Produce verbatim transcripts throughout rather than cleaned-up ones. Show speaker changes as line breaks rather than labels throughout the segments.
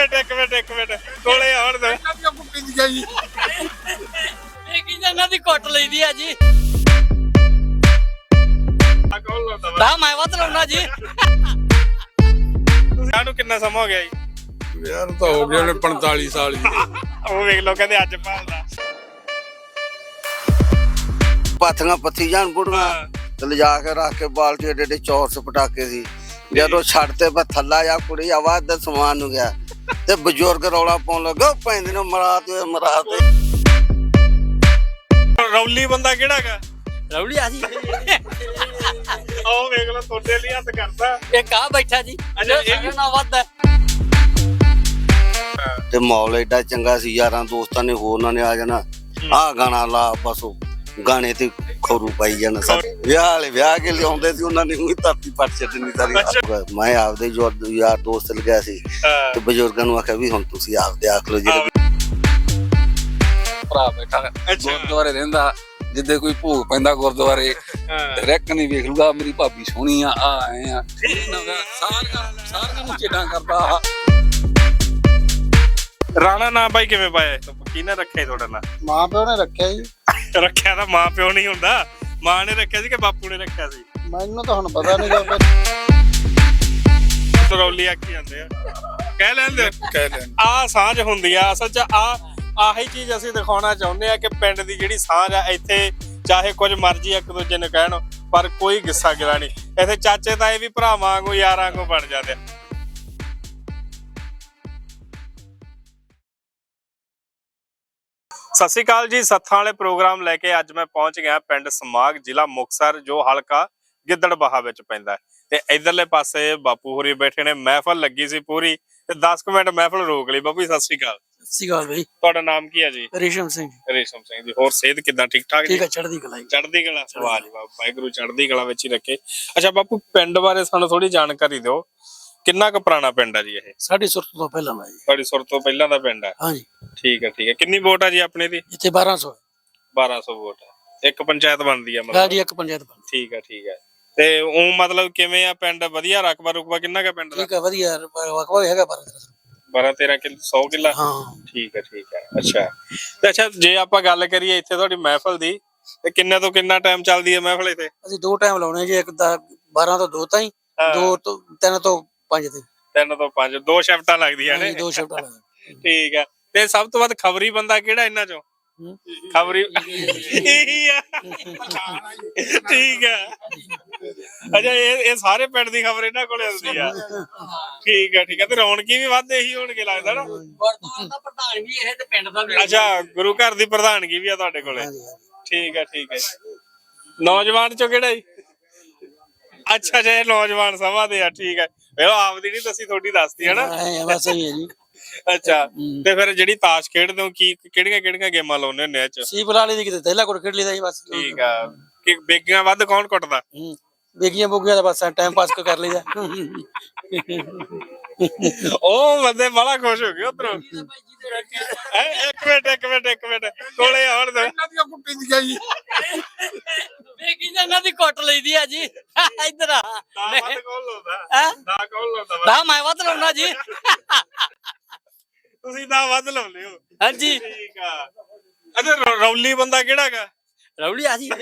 Minute ਇੱਕ minute ਇੱਕ minute ਕੋਲੇ ਆਉਣ ਦੇ
ਕੁੱਟੀ ਦੀ ਗਈ
ਇਹ ਕੀ ਇਹਨਾਂ ਦੀ ਕੁੱਟ ਲਈਦੀ ਆ ਜੀ।
ਆ ਕੌਣ ਲਾਉਂਦਾ ਵਾ
ਤਾਂ ਮੈਂ ਵੱਧ ਲਾਉਣਾ ਜੀ।
ਸਾਨੂੰ ਕਿੰਨਾ ਸਮਾਂ ਹੋ ਗਿਆ ਜੀ?
ਯਾਰ ਤਾਂ ਹੋ ਗਏ ਨੇ ਪੰਤਾਲੀ ਸਾਲ ਹੀ।
ਉਹ ਵੇਖ ਲੋ ਕਹਿੰਦੇ ਅੱਜ ਭਾਲਦਾ
ਪਾਥੀਆਂ ਪੱਥੀ ਜਾਣ ਬੁੜੀਆਂ ਤੇ ਲਿਜਾ ਕੇ ਰੱਖ ਕੇ ਬਾਲਟੀ ਏਡੇ ਏਡੇ ਚੌਰਸ ਪਟਾਕੇ ਸੀ। ਜਦੋਂ ਛੱਡਤੇ ਪਰ ਥੱਲਾ ਜਾ ਕੁੜੀ ਆਵਾਜ਼ ਦਾ ਸਮਾਨ ਨੂੰ ਗਿਆ ਤੇ ਬਜ਼ੁਰਗ ਰੌਲਾ ਪਾਉਣ ਲੱਗਾ ਪੈਂਦੇ ਨੇ ਮਰਾ ਤੇ ਮਰਾ ਤੇ।
ਰੌਲੀ ਬੰਦਾ ਕਿਹੜਾ ਗਾ?
ਰੌਲੀ ਆ ਜੀ।
ਉਹ ਵੇਖ ਲੋ ਤੁਹਾਡੇ ਲਈ ਹੱਥ ਕਰਦਾ।
ਇਹ ਕਾ ਬੈਠਾ ਜੀ।
ਅੱਛਾ, ਇਹ ਵੀ-
ਨਾ ਵੱਧ ਹੈ।
ਤੇ ਮਾਹੌਲ ਏਡਾ ਚੰਗਾ ਸੀ, ਯਾਰਾਂ ਦੋਸਤਾਂ ਨੇ ਹੋਰਨਾਂ ਨੇ ਆ ਜਾਣਾ, ਆਹ ਗਾਣਾ ਲਾ, ਬਸ ਉਹ ਗਾਣੇ ਤੇ ਖੋਰੂ ਪਾਈ ਜਾਣਾ। ਸਾਡੇ ਵਿਆਹ ਵਾਲੇ ਵਿਆਹ ਕੇ ਲਿਆਉਂਦੇ ਸੀ, ਉਹਨਾਂ ਨੇ ਉਹੀ ਧਰਤੀ ਪੱਟ ਛੱਡਣੀ ਸਾਰੀ। ਮੈਂ ਆਪਦੇ ਜੋ ਯਾਰ ਦੋਸਤ ਲਗਿਆ ਸੀ ਤੇ ਬਜ਼ੁਰਗਾਂ ਨੂੰ ਆਖਿਆ ਵੀ ਹੁਣ ਤੁਸੀਂ ਆਪਦੇ ਆਖ ਲਓ ਜਿਹੜੇ
ਭਰਾ ਬੈਠਾ ਗੁਰਦੁਆਰੇ ਰਹਿੰਦਾ, ਜਿੱਦੇ ਕੋਈ ਭੋਗ ਪੈਂਦਾ ਗੁਰਦੁਆਰੇ ਰੈਕ ਨਹੀਂ ਵੇਖ ਲੂਗਾ ਮੇਰੀ ਭਾਬੀ ਸੋਹਣੀ ਆ ਆ ਆਏ ਆ ਸਾਰੀਆਂ ਸਾਰੀਆਂ ਨੂੰ ਚੇਡਾਂ ਕਰਦਾ।
ਰਾਣਾ ਨਾਂ ਬਾਈ ਕਿਵੇਂ ਪਾਇਆ? ਕਿਹਨੇ ਰੱਖਿਆ ਤੁਹਾਡਾ ਨਾਂ?
ਮਾਂ ਪਿਓ ਨੇ ਰੱਖਿਆ ਜੀ।
ਰੱਖਿਆ ਤਾਂ ਮਾਂ ਪਿਓ ਨਹੀਂ ਹੁੰਦਾ, ਮਾਂ ਨੇ ਰੱਖਿਆ ਸੀ ਕਿ ਬਾਪੂ ਨੇ ਰੱਖਿਆ ਸੀ?
ਮੈਨੂੰ ਤਾਂ ਹੁਣ ਪਤਾ ਨਹੀਂ ਗਾ।
ਰੌਲੀ ਆਖੀ ਜਾਂਦੇ ਆ, ਕਹਿ ਲੈਂਦੇ
ਕਹਿ ਲੈਣ
ਆ ਸਾਂਝ ਹੁੰਦੀ ਆ। ਅਸਲ ਚ ਆ ਆਹੀ ਚੀਜ਼ ਅਸੀਂ ਦਿਖਾਉਣਾ ਚਾਹੁੰਦੇ ਆ ਕਿ ਪਿੰਡ ਦੀ ਜਿਹੜੀ ਸਾਂਝ ਆ, ਇੱਥੇ ਚਾਹੇ ਕੁਝ ਮਰਜ਼ੀ ਇੱਕ ਦੂਜੇ ਨੂੰ ਕਹਿਣ ਪਰ ਕੋਈ ਗੁੱਸਾ ਗਿਲਾ ਨਹੀਂ। ਇੱਥੇ ਚਾਚੇ ਤਾਏ ਵੀ ਭਰਾ ਵਾਂਗੂ ਯਾਰਾਂ ਵਾਂਗੂ ਬਣ ਜਾਂਦੇ ਆ। ਸਤਿ ਸ਼੍ਰੀ ਅਕਾਲ ਜੀ। ਸੱਥਾਂ ਵਾਲੇ ਪ੍ਰੋਗਰਾਮ ਲੈ ਕੇ ਅੱਜ ਮੈਂ ਪਹੁੰਚ ਗਿਆ ਪਿੰਡ ਸਮਾਗ, ਜ਼ਿਲ੍ਹਾ ਮੁਕਤਸਰ, ਜੋ ਹਲਕਾ ਗਿੱਦੜਬਾਹਾ ਵਿੱਚ ਪੈਂਦਾ ਹੈ। ਤੇ ਇਧਰਲੇ ਪਾਸੇ ਬਾਪੂ ਹੋਰੀ ਬੈਠੇ ਨੇ, ਮਹਿਫਲ ਲੱਗੀ ਸੀ ਪੂਰੀ ਤੇ ਦਸ ਕੁ ਮਿੰਟ ਮਹਿਫਲ ਰੋਕ ਲਈ। ਬਾਪੂ ਸਤਿ ਸ਼੍ਰੀ ਅਕਾਲ।
ਸਤਿ ਸ਼੍ਰੀ ਅਕਾਲ ਬਈ।
ਤੁਹਾਡਾ ਨਾਮ ਕੀ ਹੈ ਜੀ?
ਰੇਸ਼ਮ ਸਿੰਘ।
ਰੇਸ਼ਮ ਸਿੰਘ ਜੀ। ਹੋਰ ਸਿਹਤ ਕਿਦਾਂ? ਠੀਕ ਠਾਕ ਜੀ?
ਠੀਕ ਹੈ, ਚੜ੍ਹਦੀ ਕਲਾ।
ਚੜ੍ਹਦੀ ਕਲਾ। ਵਾਹ ਜੀ ਵਾਹ, ਵਾਹਿਗੁਰੂ ਚੜ੍ਹਦੀ ਕਲਾ ਵਿੱਚ ਹੀ ਰੱਖੇ। ਅੱਛਾ ਬਾਪੂ, ਪਿੰਡ ਬਾਰੇ ਸਾਨੂੰ ਥੋੜੀ ਜਾਣਕਾਰੀ ਦਿਓ। ਕਿੰਨਾ ਕੁ ਪੁਰਾਣਾ ਪਿੰਡ ਆ ਜੀ ਇਹ?
ਸਾਡੀ ਸੁਰਤ ਤੋਂ ਪਹਿਲਾਂ ਦਾ ਜੀ।
ਤੁਹਾਡੀ ਸੁਰ ਤੋਂ ਪਹਿਲਾਂ ਦਾ ਪਿੰਡ ਆ?
ਹਾਂਜੀ।
ਠੀਕ ਹੈ ਠੀਕ ਹੈ। ਕਿੰਨੀ ਵੋਟ ਆ ਜੀ ਆਪਣੇ ਦੀ?
ਇੱਥੇ ਬਾਰਾਂ ਸੌ
ਬਾਰਾਂ ਸੌ ਵੋਟ ਆ। ਇੱਕ ਪੰਚਾਇਤ ਬਣਦੀ ਆ ਮਤਲਬ?
ਗਾੜੀ ਇੱਕ ਪੰਚਾਇਤ ਬਣ।
ਠੀਕ ਹੈ ਠੀਕ ਹੈ। ਤੇ ਉਹ ਮਤਲਬ ਕਿਵੇਂ ਆ ਪਿੰਡ? ਵਧੀਆ ਰਕਬਾ ਰੁਕਬਾ ਕਿੰਨਾ ਕੁ ਪਿੰਡ ਦਾ?
ਠੀਕ ਹੈ, ਵਧੀਆ ਵਕਵਾ ਹੈਗਾ ਬਾਰਾਂ
ਬਾਰਾਂ ਤੇਰਾਂ ਕਿੱਲਾ, ਸੌ ਕਿੱਲਾ?
ਹਾਂ।
ਠੀਕ ਹੈ ਠੀਕ ਹੈ। ਅੱਛਾ ਤੇ ਅੱਛਾ, ਜੇ ਆਪਾਂ ਗੱਲ ਕਰੀਏ ਇੱਥੇ ਤੁਹਾਡੀ ਮਹਿਫਲ ਦੀ, ਤੇ ਕਿੰਨੇ ਤੋਂ ਕਿੰਨਾ ਟਾਈਮ ਚੱਲਦੀ ਹੈ ਮਹਿਫਲ ਇੱਥੇ?
ਅਸੀਂ ਦੋ ਟਾਈਮ ਲਾਉਣੇ ਜੀ, ਇੱਕ ਦਾ ਬਾਰਾਂ ਤੋਂ ਦੋ ਤਾਈਂ, ਦੋ ਤੋਂ ਤਿੰਨ ਤੋਂ ਪੰਜ ਤਾਈਂ।
ਤਿੰਨ ਤੋਂ ਪੰਜ, ਦੋ ਸ਼ਿਫਟਾਂ ਲੱਗਦੀਆਂ ਨੇ?
ਦੋ ਸ਼ਿਫਟਾਂ ਲੱਗਦੀਆਂ।
ਠੀਕ ਹੈ। ਤੇ ਸਭ ਤੋਂ ਵੱਧ ਖਬਰੀ ਬੰਦਾ ਕਿਹੜਾ ਇਹਨਾਂ ਚੋਂ? ਖਬਰੀ ਇਹੀ ਆ। ਠੀਕ ਹੈ। ਅੱਛਾ, ਇਹ ਇਹ ਸਾਰੇ ਪਿੰਡ ਦੀ ਖਬਰ ਇਹਨਾਂ ਕੋਲੇ ਆਉਂਦੀ ਆ? ਠੀਕ ਹੈ ਠੀਕ ਹੈ। ਤੇ ਰੌਣਕੀ ਵੀ ਵੱਧ ਇਹੀ ਹੋਣਗੇ ਲੱਗਦਾ ਨਾ?
ਗੁਰਦੁਆਰਾ ਦਾ ਪ੍ਰਧਾਨ ਵੀ ਇਹ ਤੇ ਪਿੰਡ ਦਾ ਵੀ।
ਅੱਛਾ, ਗੁਰੂ ਘਰ ਦੀ ਪ੍ਰਧਾਨਗੀ ਵੀ ਆ ਤੁਹਾਡੇ ਕੋਲੇ? ਠੀਕ ਹੈ ਠੀਕ ਹੈ। ਨੌਜਵਾਨ ਚੋਂ ਕਿਹੜਾ ਜੀ? ਅੱਛਾ ਅੱਛਾ, ਇਹ ਨੌਜਵਾਨ ਸਭਾ ਦੇ ਆ। ਠੀਕ ਹੈ। ਉਹ ਆਪਦੀ ਨਹੀਂ ਦੱਸੀ, ਤੁਹਾਡੀ ਦੱਸਦੀ ਹੈ ਨਾ?
ਬਸ ਸਹੀ ਹੈ ਜੀ।
ਅੱਛਾ, ਤੇ ਫਿਰ ਜਿਹੜੀ ਤਾਸ਼ ਖੇਡਦੇ ਹੋ, ਕੀ ਕਿਹੜੀਆਂ ਕਿਹੜੀਆਂ ਗੇਮਾਂ ਲਾਉਂਦੇ ਹੁੰਦੇ ਆ ਚ?
ਸੀ ਬੁਲਾ ਲਈ ਦੀ, ਕਿਤੇ ਤੈਲਾ ਕੋਲ ਖੇਡ ਲਈਦਾ ਜੀ ਬਸ।
ਠੀਕ ਆ। ਕਿ ਬੇਗੀਆਂ ਵੱਧ ਕੌਣ ਕੁੱਟਦਾ?
ਬੇਗੀਆਂ ਬੋਗੀਆਂ ਦਾ ਬਸ ਟਾਈਮ ਪਾਸ ਕਰ ਲਈਦਾ।
ਉਹ ਬੰਦੇ ਬੜਾ ਖੁਸ਼ ਹੋ ਗਏ ਉਧਰੋਂ। ਇੱਕ ਮਿੰਟ ਇੱਕ ਮਿੰਟ ਇੱਕ ਮਿੰਟ ਕੋਲੇ ਆਉਣ ਦੇ।
ਕੁੱਟੀ ਦੀ ਗਈ
ਬੇਗੀ ਇਹਨਾਂ ਦੀ ਕੁੱਟ ਲਈਦੀ ਆ ਜੀ। ਇੱਧਰ ਆ।
ਦਾ ਵੱਧ ਕੌਣ ਲਾਉਂਦਾ?
ਹੈਂ?
ਦਾ ਕੌਣ ਲਾਉਂਦਾ?
ਤਾਂ ਮੈਂ ਵੱਧ ਲਾਉਣਾ ਜੀ।
ਤੁਸੀਂ ਦਾ ਵੱਧ ਲਾਉਂਦੇ ਹੋ?
ਹਾਂਜੀ।
ਠੀਕ ਆ। ਅੱਛਾ, ਰੌਲੀ ਬੰਦਾ ਕਿਹੜਾ ਗਾ?
ਰੌਲੀ ਆ ਜੀ।
ਉਹ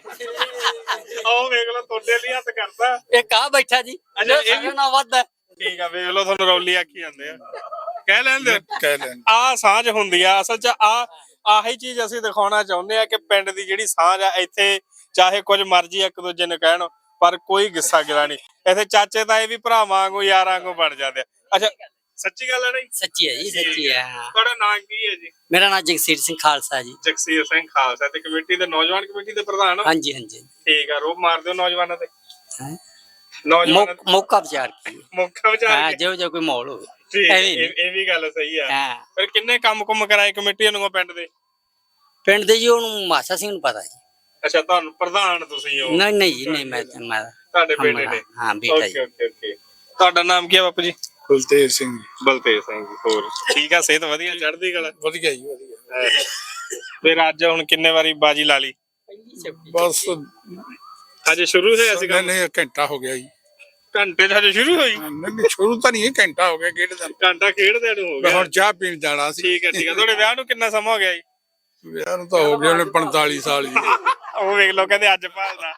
ਵੇਖ ਲੋ ਤੁਹਾਡੇ ਲਈ ਹੱਥ ਕਰਦਾ।
ਇਹ ਕਾ ਬੈਠਾ ਜੀ।
ਅੱਛਾ, ਇਹ ਵੀ-
ਨਾ ਵੱਧ ਹੈ।
ਠੀਕ ਆ, ਵੇਖ ਲੋ ਤੁਹਾਨੂੰ ਰੌਲੀ ਆਖੀ ਜਾਂਦੇ ਆ, ਕਹਿ ਲੈਂਦੇ
ਕਹਿ ਲੈਣ
ਆ ਸਾਂਝ ਹੁੰਦੀ ਆ। ਅਸਲ ਚ ਆ ਆਹੀ ਚੀਜ਼ ਅਸੀਂ ਦਿਖਾਉਣਾ ਚਾਹੁੰਦੇ ਆ ਕਿ ਪਿੰਡ ਦੀ ਜਿਹੜੀ ਸਾਂਝ ਆ, ਇੱਥੇ ਚਾਹੇ ਕੁਝ ਮਰਜ਼ੀ ਇੱਕ ਦੂਜੇ ਨੂੰ ਕਹਿਣ ਪਰ ਕੋਈ ਗੁੱਸਾ ਗਿਲਾ ਨਹੀਂ। ਇੱਥੇ ਚਾਚੇ ਤਾਏ ਵੀ ਭਰਾ ਵਾਂਗੂ ਯਾਰਾਂ ਵਾਂਗੂ ਬਣ ਜਾਂਦੇ ਆ। ਅੱਛਾ, ਸੱਚੀ ਗੱਲ ਹੈ? ਨਹੀਂ
ਸੱਚੀ ਹੈ ਜੀ, ਸੱਚੀ ਹੈ।
ਤੁਹਾਡਾ ਨਾਮ ਕੀ ਹੈ ਜੀ?
ਮੇਰਾ ਨਾਮ ਜਗਸੀਰ ਸਿੰਘ ਖਾਲਸਾ ਜੀ।
ਜਗਸੀਰ ਸਿੰਘ ਖਾਲਸਾ। ਤੇ ਕਮੇਟੀ ਦੇ ਨੌਜਵਾਨ ਕਮੇਟੀ ਦੇ ਪ੍ਰਧਾਨ ਹੋ?
ਹਾਂਜੀ ਹਾਂਜੀ।
ਠੀਕ ਆ। ਰੋਬ ਮਾਰ ਦਿਓ ਨੌਜਵਾਨਾਂ ਤੇ।
ਹੈਂ?
ਨੌਜਵਾਨਾਂ
ਮੌ- ਮੌਕਾ ਵਿਚਾਰ ਕੀ
ਮੌਕਾ
ਹਾਂ,
ਵਿਚਾਰ ਕੇ।
ਜਿਹੋ ਜਿਹਾ ਕੋਈ ਮਾਹੌਲ ਹੋਵੇ।
ਠੀਕ,
ਐਵੇਂ
ਇਹ ਇਹ ਵੀ ਗੱਲ ਸਹੀ ਆ।
ਹਾਂ।
ਫਿਰ ਕਿੰਨੇ ਕੰਮ ਕੁੰਮ ਕਰਾਏ ਕਮੇਟੀ ਨੂੰ ਪਿੰਡ ਦੇ?
ਪਿੰਡ ਦੇ ਜੀ ਉਹਨੂੰ ਮਾਸਾ ਸਿੰਘ ਨੂੰ ਪਤਾ ਜੀ।
ਅੱਛਾ, ਤੁਹਾਨੂੰ ਪ੍ਰਧਾਨ ਤੁਸੀਂ ਹੋ?
ਨਹੀਂ ਨਹੀਂ ਜੀ, ਨਹੀਂ ਮੈਂ ਮੈਂ
ਤੁਹਾਡੇ ਬੇਟੇ ਨੇ?
ਹਾਂ, ਬੇਟਾ
ਓਕੇ
ਜੀ।
Okay okay. ਤੁਹਾਡਾ ਨਾਮ ਕੀ ਹੈ ਬਾਪੂ ਜੀ?
ਕੁਲਤੇਜ ਸਿੰਘ
ਬਲਤੇਜ ਸਿੰਘ ਜੀ। ਹੋਰ ਠੀਕ ਆ? ਸਿਹਤ ਵਧੀਆ? ਚੜ੍ਹਦੀ ਕਲਾ?
ਵਧੀਆ ਜੀ ਵਧੀਆ।
ਫਿਰ ਅੱਜ ਹੁਣ ਕਿੰਨੇ ਵਾਰੀ ਬਾਜੀ ਲਾ ਲਈ?
ਬਸ
ਅੱਜ ਸ਼ੁਰੂ ਹੋਇਆ ਸੀਗਾ?
ਨਹੀਂ, ਘੰਟਾ ਹੋ ਗਿਆ ਜੀ।
ਘੰਟੇ ਚ ਹਜੇ ਸ਼ੁਰੂ ਹੋਈ?
ਨਹੀਂ ਸ਼ੁਰੂ ਤਾਂ ਨਹੀਂ ਘੰਟਾ ਹੋ ਗਿਆ ਖੇਡਦਾ
ਘੰਟਾ ਖੇਡਦੇ ਨੂੰ ਹੋ
ਮੈਂ
ਗਿਆ।
ਹੁਣ ਚਾਹ ਪੀਣ ਜਾਣਾ ਸੀ
ਠੀਕ ਹੈ ਠੀਕ ਹੈ। ਤੁਹਾਡੇ ਵਿਆਹ ਨੂੰ ਕਿੰਨਾ ਸਮਾਂ ਹੋ ਗਿਆ ਜੀ?
ਵਿਆਹ ਨੂੰ ਤਾਂ ਹੋ ਗਏ ਉਹਨੇ ਪੰਤਾਲੀ ਸਾਲ ਹੀ
ਉਹ ਵੇਖ ਲੋ ਕਹਿੰਦੇ ਅੱਜ ਭਾਲਦਾ।